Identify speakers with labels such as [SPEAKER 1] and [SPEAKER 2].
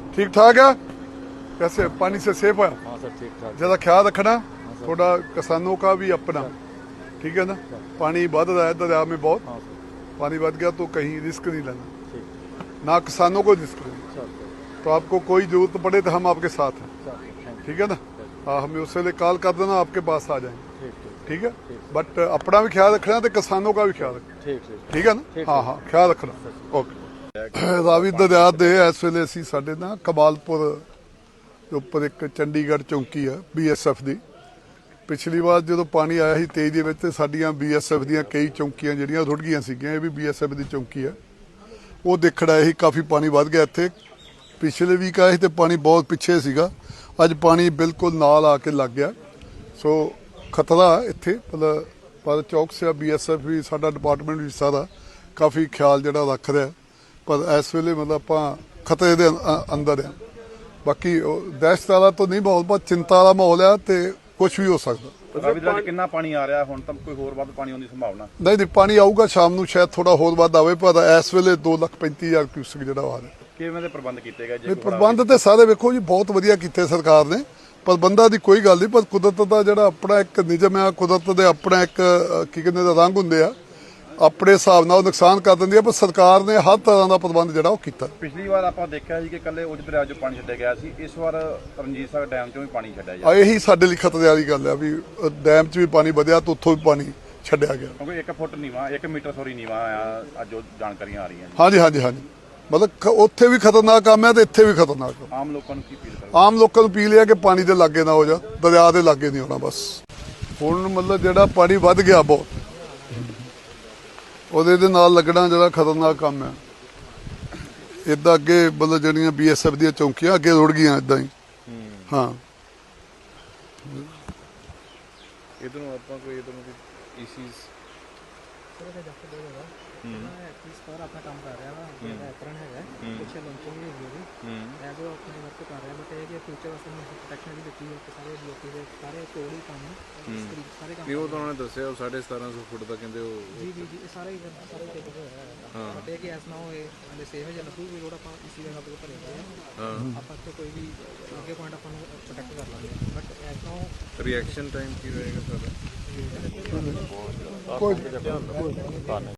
[SPEAKER 1] ठीक ठाक है? कैसे पानी से सेफ है?
[SPEAKER 2] हाँ सर ठीक ठाक।
[SPEAKER 1] ज़्यादा ख्याल रखना थोड़ा, किसानों का भी अपना, ठीक है ना? पानी बढ़ रहा है दरिया में बहुत,
[SPEAKER 2] हाँ सर
[SPEAKER 1] पानी बढ़ गया तो कहीं रिस्क नहीं लेना,
[SPEAKER 2] ठीक।
[SPEAKER 1] ना किसानों को रिस्क लेना।
[SPEAKER 2] सर
[SPEAKER 1] तो आपको कोई जरूरत पड़े तो हम आपके साथ हैं,
[SPEAKER 2] सर थैंक
[SPEAKER 1] ठीक है ना? हाँ, हमें उससे लिए कॉल कर देना, आपके पास आ जाएंगे,
[SPEAKER 2] ठीक ठीक
[SPEAKER 1] ठीक है? बट अपना भी ख्याल रखना तो किसानों का भी ख्याल रखना,
[SPEAKER 2] ठीक ठीक।
[SPEAKER 1] ठीक है ना? हाँ हाँ, ख्याल रखना। ओके। ਰਾਵੀ ਦਰਿਆ ਦੇ ਇਸ ਵੇਲੇ ਅਸੀਂ ਸਾਡੇ ਨਾ ਕਮਾਲਪੁਰ ਦੇ ਉੱਪਰ ਇੱਕ ਚੰਡੀਗੜ੍ਹ ਚੌਂਕੀ ਆ BSF ਦੀ। ਪਿਛਲੀ ਵਾਰ ਜਦੋਂ ਪਾਣੀ ਆਇਆ ਸੀ 23 ਦੇ ਵਿੱਚ ਤੇ ਸਾਡੀਆਂ BSF ਦੀਆਂ ਕਈ ਚੌਂਕੀਆਂ ਜਿਹੜੀਆਂ ਰੁੜ ਗਈਆਂ ਸੀਗੀਆਂ, ਇਹ ਵੀ BSF ਦੀ ਚੌਂਕੀ ਆ। ਉਹ ਦੇਖਣ ਆਏ ਸੀ, ਕਾਫੀ ਪਾਣੀ ਵੱਧ ਗਿਆ ਇੱਥੇ। ਪਿਛਲੇ ਵੀਕ ਆਏ ਸੀ ਤੇ ਪਾਣੀ ਬਹੁਤ ਪਿੱਛੇ ਸੀਗਾ, ਅੱਜ ਪਾਣੀ ਬਿਲਕੁਲ ਨਾਲ ਆ ਕੇ ਲੱਗ ਗਿਆ। ਸੋ ਖਤਰਾ ਇੱਥੇ ਮਤਲਬ ਪਰ ਚੌਕਸ ਆ, BSF ਵੀ ਸਾਡਾ ਡਿਪਾਰਟਮੈਂਟ ਵੀ ਸਾਰਾ ਕਾਫੀ ਖਿਆਲ ਜਿਹੜਾ ਰੱਖ ਰਿਹਾ। पर इस वेले मतलब आप खतरे के अंदर हैं। बाकी दहशत वाला तो नहीं माहौल, पर चिंता वाला माहौल है तो कुछ भी हो सकता।
[SPEAKER 3] ਰਾਵੀ ਕਿੰਨਾ ਪਾਣੀ ਆ ਰਿਹਾ ਹੁਣ? ਤਾਂ ਕੋਈ ਹੋਰ ਵੱਧ ਪਾਣੀ ਆਉਣ ਦੀ ਸੰਭਾਵਨਾ?
[SPEAKER 1] नहीं पानी आऊगा शाम ਨੂੰ शायद थोड़ा होर ਵੱਧ आवे, पर इस वेले 2,35,000 क्यूसेक ਜਿਹੜਾ ਆ ਰਿਹਾ।
[SPEAKER 3] ਕਿਵੇਂ ਦੇ ਪ੍ਰਬੰਧ ਕੀਤੇ ਗਏ?
[SPEAKER 1] ਇਹ ਪ੍ਰਬੰਧ ਤੇ ਸਾਰੇ ਵੇਖੋ ਜੀ ਬਹੁਤ ਵਧੀਆ ਕੀਤੇ ਸਰਕਾਰ ਨੇ, ਪ੍ਰਬੰਧਾਂ ਦੀ ਕੋਈ ਗੱਲ ਨਹੀਂ, ਪਰ ਕੁਦਰਤ ਦਾ ਜਿਹੜਾ ਆਪਣਾ ਇੱਕ ਨਿਯਮ ਆ, ਕੁਦਰਤ ਦੇ ਆਪਣਾ ਇੱਕ ਕੀ ਕਹਿੰਦੇ ਦਾ ਰੰਗ ਹੁੰਦੇ ਆ, ਆਪਣੇ ਹਿਸਾਬ ਨਾਲ ਨੁਕਸਾਨ ਕਰ ਦਿੰਦੀ ਆ, ਪਰ ਸਰਕਾਰ ਨੇ ਹਰ ਤਰ੍ਹਾਂ ਦਾ ਪ੍ਰਬੰਧ ਜਿਹੜਾ ਉਹ ਕੀਤਾ।
[SPEAKER 3] ਪਿਛਲੀ ਵਾਰ ਆਪਾਂ ਦੇਖਿਆ ਸੀ ਕਿ ਕੱਲੇ ਉਜ ਦਰਿਆ 'ਚੋਂ ਪਾਣੀ ਛੱਡਿਆ ਗਿਆ ਸੀ, ਇਸ ਵਾਰ ਰਣਜੀਤ ਸਾਗਰ ਡੈਮ 'ਚੋਂ ਵੀ ਪਾਣੀ ਛੱਡਿਆ ਜਾ ਰਿਹਾ।
[SPEAKER 1] ਇਹੀ ਸਾਡੇ ਲਈ ਖਤਰੇ ਵਾਲੀ ਗੱਲ ਆ ਵੀ ਡੈਮ 'ਚ ਵੀ ਪਾਣੀ ਵਧਿਆ ਤੇ ਉੱਥੋਂ ਵੀ ਪਾਣੀ ਛੱਡਿਆ ਗਿਆ।
[SPEAKER 3] ਕਿਉਂਕਿ 1 ਫੁੱਟ ਨੀਵਾ 1 ਮੀਟਰ ਸੋਰੀ ਨੀਵਾ ਆ, ਅੱਜ ਜੋ ਜਾਣਕਾਰੀਆਂ ਆ ਰਹੀਆਂ ਨੇ।
[SPEAKER 1] ਹਾਂਜੀ ਹਾਂਜੀ ਹਾਂਜੀ, ਮਤਲਬ ਉੱਥੇ ਵੀ ਖਤਰਨਾਕ ਕੰਮ ਹੈ ਤੇ ਇੱਥੇ ਵੀ ਖਤਰਨਾਕ ਕੰਮ।
[SPEAKER 3] ਆਮ ਲੋਕਾਂ ਨੂੰ ਕੀ ਅਪੀਲ ਕਰੋ?
[SPEAKER 1] ਆਮ ਲੋਕਾਂ ਨੂੰ ਅਪੀਲ ਹੈ ਕਿ ਪਾਣੀ ਦੇ ਲਾਗੇ ਨਾ ਹੋ ਜਾ, ਦਰਿਆ ਦੇ ਲਾਗੇ ਨਹੀਂ ਹੋਣਾ ਬਸ। ਹੁਣ ਮਤਲਬ ਜਿਹੜਾ ਪਾਣੀ ਵੱਧ ਗਿਆ ਬਹੁਤ, ਉਹਦੇ ਦੇ ਨਾਲ ਲੱਗਣਾ ਜਿਹੜਾ ਖਤਰਨਾਕ ਕੰਮ ਹੈ। ਇੱਦਾਂ ਅੱਗੇ ਮਤਲਬ ਜਿਹੜੀਆਂ BSF ਦੀਆਂ ਚੌਂਕੀਆਂ ਅੱਗੇ ਰੁੜ ਗਈਆਂ ਇੱਦਾਂ ਹੀ। ਹਾਂ,
[SPEAKER 2] ਇਧਰੋਂ ਆਪਾਂ ਕੋਈ ਇਧਰੋਂ ਕੋਈ ਇਸ਼ੂਜ਼
[SPEAKER 4] ਆਪਣਾ ਕੰਮ ਕਰ ਰਿਹਾ ਵਾ, ਜਿਹੜਾ ਐਪਰਨ ਹੈਗਾ ਕੁਛ ਲਾਂਚਿੰਗ ਵੀ ਹੈਗੀ ਉਹਦੀ ਐਜ਼ ਉਹ ਆਪਣੇ ਵਰਕ ਕਰ ਰਿਹਾ। ਬਟ ਇਹ ਕਿ ਫਿਊਚਰ ਵਾਸਤੇ ਮੈਂ ਪ੍ਰੋਟੈਕਸ਼ਨ ਵੀ ਦਿੱਤੀ ਹੈ ਕਿ ਸਾਰੇ ਲੋਕੀ ਦੇ ਸਾਰੇ ਕੋਲ ਹੀ ਕੰਮ ਸਾਰੇ ਕੰਮ।
[SPEAKER 2] ਉਹ ਤਾਂ ਉਹਨਾਂ ਨੇ ਦੱਸਿਆ ਉਹ 1750 ਫੁੱਟ ਦਾ ਕਹਿੰਦੇ ਉਹ
[SPEAKER 4] ਜੀ ਜੀ ਜੀ, ਇਹ ਸਾਰੇ ਟੇਕ ਹੋਇਆ ਹੈ। ਬਟ ਇਹ ਕਿ ਐਸ ਨਾ ਹੋਏ ਹਲੇ ਸੇਫ ਹੈ ਜਾਂ ਨਸੂ ਵੀ ਰੋਡ ਆਪਾਂ ਇਸੀ ਜਗ੍ਹਾ ਤੇ ਭਰੇ ਹੋਏ ਆ, ਆਪਾਂ ਇੱਥੇ ਕੋਈ ਵੀ ਅੱਗੇ ਪੁਆਇੰਟ ਆਪਾਂ ਨੂੰ ਪ੍ਰੋਟੈਕਟ ਕਰ ਲਾਂਗੇ। ਬਟ ਐਸ ਨਾ
[SPEAKER 2] ਰਿਐਕਸ਼ਨ ਟਾਈਮ ਕੀ ਰਹੇਗਾ ਸਾਡਾ?
[SPEAKER 1] ਕੋਈ